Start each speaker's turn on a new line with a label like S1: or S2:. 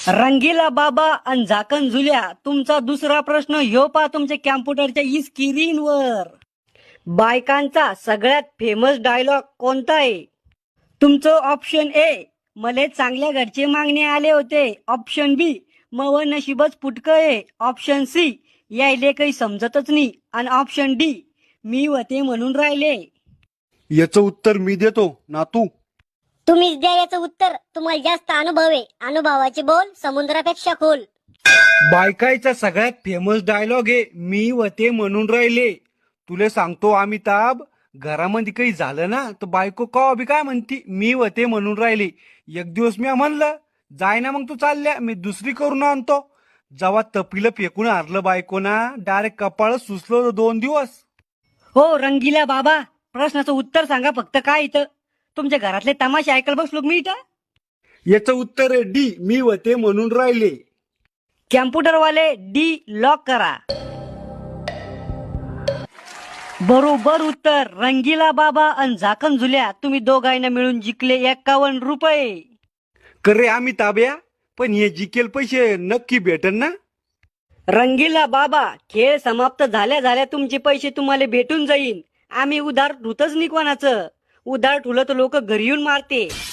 S1: रंगीला बाबा आणि झाकण झुल्या. तुमचा दुसरा प्रश्न ह्यो पा तुमच्या कॅम्प्युटरच्या स्क्रीनवर. बायकांचा सगळ्यात फेमस डायलॉग कोणता आहे? तुमचं ऑप्शन ए, मले चांगल्या घरचे मागणे आले होते. ऑप्शन बी, मव नशीबच फुटकं आहे. ऑप्शन सी, यायले काही समजतच नाही. आणि ऑप्शन डी, मी होते म्हणून राहिले.
S2: याचं उत्तर मी देतो ना तू.
S3: तुम्हीच द्या याचं उत्तर. तुम्हाला जास्त अनुभव आहे. अनुभवाचे बोल समुद्रापेक्षा खोल.
S2: बायकाईचा सगळ्यात फेमस डायलॉग आहे मी वते म्हणून राहिले. तुले सांगतो अमिताभ, घरामध्ये काही झालं ना तर बायको कवा बी काय म्हणती, मी वते म्हणून राहिले. एक दिवस मी म्हणलं जाय ना मग तू चालल्या, मी दुसरी करून आणतो. जेव्हा तपीला फेकून हारलं बायको ना, डायरेक्ट कपाळ सुचलं 2 दिवस.
S1: हो रंगीला बाबा, प्रश्नाचं उत्तर सांगा फक्त. काय इथं तुमच्या घरातले तमाशे ऐकायला बसलो मी इथं.
S2: याचं उत्तर आहे डी, मी वते म्हणून राहिले.
S1: कॅम्प्युटरवाले डी लॉक करा. बरोबर उत्तर. रंगीला बाबा आणि झाकण झुल्या तुम्ही दोघांना मिळून जिंकले 51 रुपये.
S2: करे अमिताभ्या, पण हे जिकेल पैसे नक्की भेटन ना?
S1: रंगीला बाबा, खेळ समाप्त झाल्या झाल्या तुमचे पैसे तुम्हाला भेटून जाईल. आम्ही उधार ठुतच नाही कोणाचं. उधार ठुलं तर लोक घरी येऊन मारते.